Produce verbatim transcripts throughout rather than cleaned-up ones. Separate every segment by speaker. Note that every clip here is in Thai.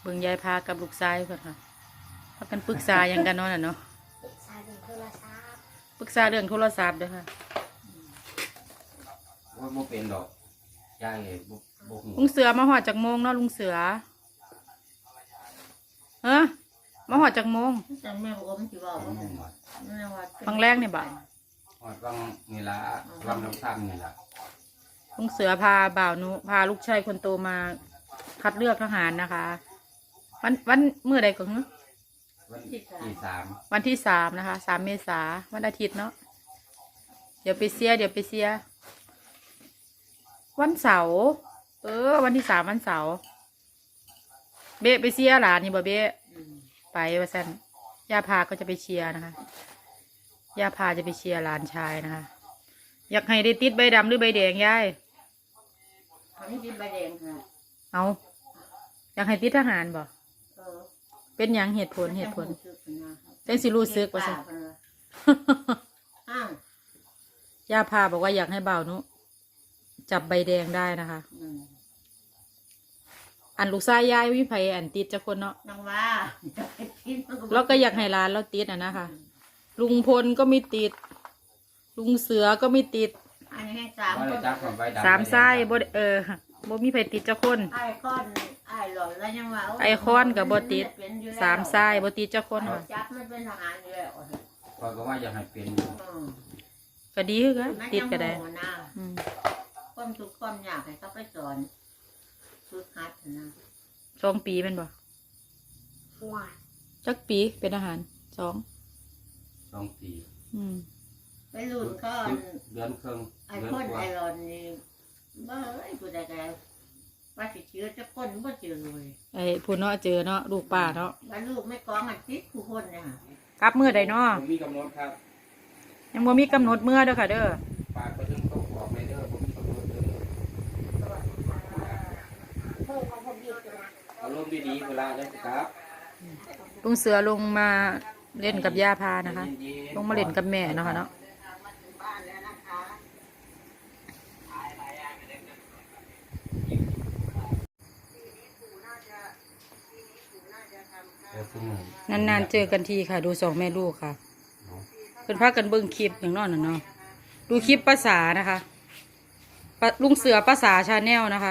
Speaker 1: เบิ่งยายพากับลูกชายเพิ่นค่ะพากันปรึกษาหยังกันเนาะน่ะเนาะ
Speaker 2: ปรึกษาเรื่องโทรศัพท์
Speaker 1: ปรึกษาเรื่องโทรศัพท์เด้อค่ะ
Speaker 3: ว่าบ่เป็นดอกยายบ่บ่ฮู้
Speaker 1: ลุงเสือมาหอดจากโมงเนาะลุงเสือเฮ้อมาหอดจากโมง
Speaker 2: จังแม่บอกว่ามันสิเว้าบ่ฮู้แม่ว่า
Speaker 1: ฟังแรกนี่บ่า
Speaker 3: ฮอดวังนี่ล่ะวังน้ำซ้ำนี่ล่ะ
Speaker 1: ลุงเสือพาบ่าวนุพาลูกชายคนโตมาคัดเลือกทหารนะคะ วันวันเมื่อใดก่อนเนาะ
Speaker 3: วันที่สาม
Speaker 1: วันที่สามนะคะสามเมษาวันอาทิตย์เนาะเดี๋ยวไปเสียเดี๋ยวไปเสียวันเสาร์เออวันที่สามวันเสาร์เบะไปเชียร์หลานนี่บ่เบะไปว่าซั่นย่าพาก็จะไปเชียร์นะคะย่าพาจะไปเชียร์หลานชายนะคะอยากให้ได้ติดใบดำหรือใบแดงยาย
Speaker 2: อันนี้ติดใบแดงค่ะ
Speaker 1: เอาอยากให้ติดทหารบ่
Speaker 2: เออ
Speaker 1: เป็นหยังเหตุผลเหตุผลจังสิรู้สึกว่าซั่น
Speaker 2: อ้าว
Speaker 1: ย่าพาบอกว่าอยากให้บ่าวนุจับใบแดงได้นะคะอันลูกชายยายวิภัยอันติดจะคนเนาะ
Speaker 2: น้องว่า
Speaker 1: แล้วก็อยากให้ร้านเราติดอ่ะนะคะลุงพลก็ไม่ติดลุงเสือก็ไม่ติด
Speaker 2: อันนี้ให้สาม
Speaker 3: ว่า
Speaker 2: ค
Speaker 3: ได้
Speaker 2: น
Speaker 3: จับของใบดำ
Speaker 1: สามไส้บ่ได้เออบ่มีไผติดจะคน
Speaker 2: ไอ้คอนไอ้หล่อนแล้วยังว่า
Speaker 1: ไอคอนกับบ่ติดสามไส้บ่ติดจะคนค่ะ
Speaker 2: จับมันเป็นทหารอยู่แล้ว
Speaker 3: ข้อยก็ว่าอยากให้เป็นอยู่
Speaker 2: อืม
Speaker 1: ก็ดีคือกัน
Speaker 2: มัน
Speaker 1: ติด
Speaker 2: ยัง
Speaker 1: ก็ได้
Speaker 2: โง่นะ
Speaker 1: อืม
Speaker 2: ความทุกข์ความยากให้เขาไปสอนฝึกหัดนะ
Speaker 1: สองปีเป็นบ่
Speaker 2: ว้า
Speaker 1: จักปีเป็นอาหารสอง
Speaker 3: สองปี
Speaker 1: อืม
Speaker 2: ไปรุ่นก็
Speaker 3: เดือนครึ่ง
Speaker 2: ไอ้
Speaker 3: เดือน
Speaker 2: คน
Speaker 3: กว่า
Speaker 2: ไอ้หลอนนี่บ้าไอ้กูได้แกว่าสิเชื้อจะคนบ่เจอเลย
Speaker 1: ไอ้ผู้เนาะเจอเนาะลูกป้าเนาะ
Speaker 2: ว่าลูกไม่กองมันติดผู้คนเนี่ย
Speaker 1: กลับมื้อใดเนาะ
Speaker 3: ผมมีกำหนดครับ
Speaker 1: ยังบ่มีกำหนดมื้อเด้อค่ะเด้อ
Speaker 3: ฝากไปถึงต้องบอกเลยเด้อผมมีกำหนดเด้อเอารมณ์ดีๆเวลาจะกลับ
Speaker 1: ลุงเสือลงมาเล่นกับย่าพานะคะ ลงมาเล่นกับแม่เนาะค่ะเนาะนานๆเจอกันทีค่ะ ดูสองแม่ลูกค่ะเพิ่นพากันเบิ่งคลิปอย่างนั้นน่ะเนาะดูคลิปภาษานะคะปะลุงเสือภาษาชาแนลนะคะ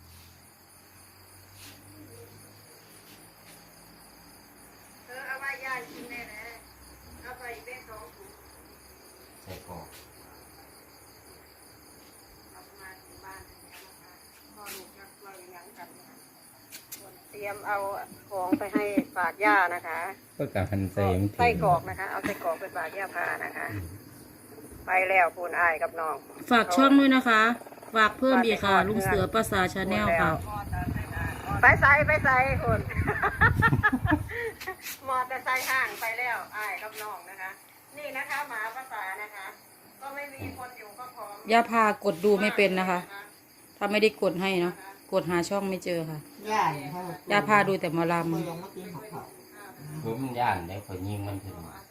Speaker 3: ใส่กรอก
Speaker 4: เตรียมเอาของไปให้ฝากย่านะคะ
Speaker 3: ก็กับพันเซม
Speaker 4: ไส้กรอกนะคะ เอาไส้กรอกไปฝากย่าพานะคะ ไปแล้วปูนอายกับน้อง
Speaker 1: ฝากช่องด้วยนะคะ ฝากเพิ่มอีกค่ะ ลุงเสือภาษาชาแนลค่ะ
Speaker 4: ไปใส่ไปใส่คุณ มอเตอร์ไซค์ห่างไปแล้วอายกับน้องนะคะ นี่นะคะหมาภาษานะคะ ก็ไม่มีคนอยู่ก็พร้อม
Speaker 1: ย่าพากดดูไม่เป็นนะคะ ถ้าไม่ได้กดให้เนาะ กดหาช่องไม่เจอค่ะ
Speaker 2: ย่าเนี่ย
Speaker 1: ย่าพาดูแต่หมอล
Speaker 2: คนลงมาตีหัวเขา
Speaker 3: ผมย่านได้ข่อยยิงมันถึง
Speaker 4: อา